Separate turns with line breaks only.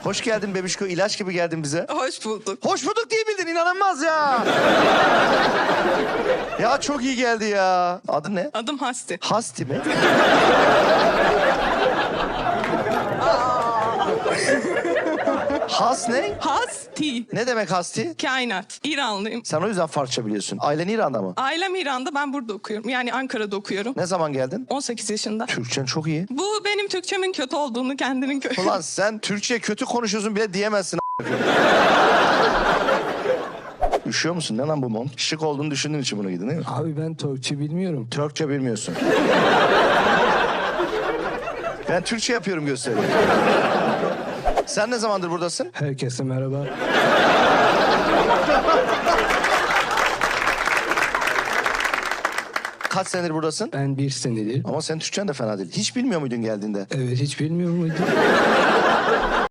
Hoş geldin bebişko. İlaç gibi geldin bize.
Hoş bulduk.
Hoş bulduk diye bildin. İnanılmaz ya. Ya çok iyi geldi ya. Adı ne?
Adım Hasti.
Hasti mi? Has ne?
Hasti.
Ne demek hasti?
Kainat. İranlıyım.
Sen o yüzden Farsça biliyorsun. Ailen İran'da mı?
Ailem İran'da, ben burada okuyorum. Yani Ankara'da okuyorum.
Ne zaman geldin?
18 yaşında.
Türkçen çok iyi.
Bu benim Türkçemin kötü olduğunu kendinin kötü.
Ulan sen Türkçe kötü konuşuyorsun bile diyemezsin. Üşüyor musun? Ne lan bu mont? Şık olduğunu düşündüğün için bunu giydin değil mi?
Abi ben Türkçe bilmiyorum.
Türkçe bilmiyorsun. Ben Türkçe yapıyorum gösteriyorum. Sen ne zamandır buradasın?
Herkese merhaba.
Kaç senedir buradasın?
Ben 1 senedir.
Ama senin Türkçen de fena değil. Hiç bilmiyor muydun geldiğinde?
Evet, hiç bilmiyor muydum?